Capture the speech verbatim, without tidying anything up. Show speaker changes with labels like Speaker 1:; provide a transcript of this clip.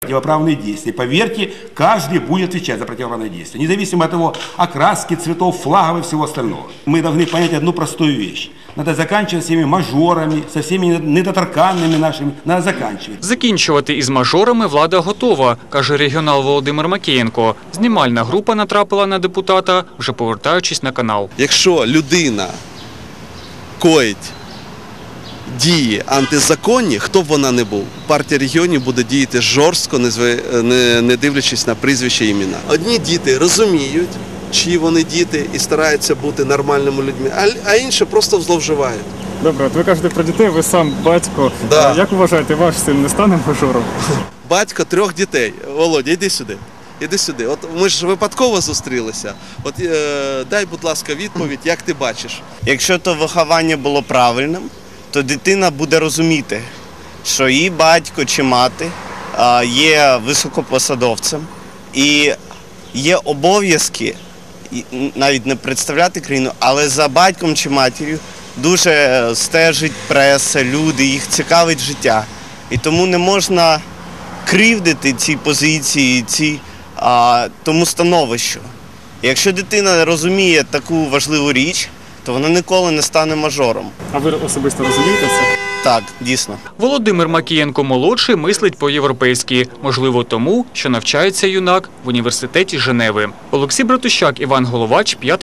Speaker 1: противоправные действия. Поверьте, каждый будет отвечать за противоправные действия, независимо от его окраски, цветов, флагов и всего остального. Мы должны понять одну простую вещь. Надо заканчивать с всеми мажорами, со всеми недоторканными нашими. Надо заканчивать.
Speaker 2: Закінчувати із мажорами влада готова, каже регіонал Володимир Макієнко. Знімальна група натрапила на депутата, вже повертаючись на канал.
Speaker 3: Якщо людина коїть дії антизаконні, хто б вона не був, партія регіонів буде діяти жорстко, не дивлячись на прізвище і імена. Одні діти розуміють, чиї вони діти і стараються бути нормальними людьми, а інші просто зловживають.
Speaker 4: Добре, от ви кажете про дітей, ви сам батько.
Speaker 3: Да.
Speaker 4: Як вважаєте, ваш син не стане мажором?
Speaker 3: Батько трьох дітей. Володя, йди сюди. Іди сюди. От ми ж випадково зустрілися. От е, дай, будь ласка, відповідь, як ти бачиш.
Speaker 5: Якщо то виховання було правильним, то дитина буде розуміти, що її батько чи мати е, є високопосадовцем і є обов'язки навіть не представляти країну, але за батьком чи матір'ю дуже стежить преса, люди, їх цікавить життя. І тому не можна кривдити ці позиції, ці, а, тому становищу. І якщо дитина розуміє таку важливу річ, то вона ніколи не стане мажором.
Speaker 4: А ви особисто розумієте це?
Speaker 5: Так, дійсно.
Speaker 2: Володимир Макієнко-молодший мислить по-європейськи. Можливо тому, що навчається юнак в університеті Женеви. Олексій Братущак, Іван Головач, п'ятий.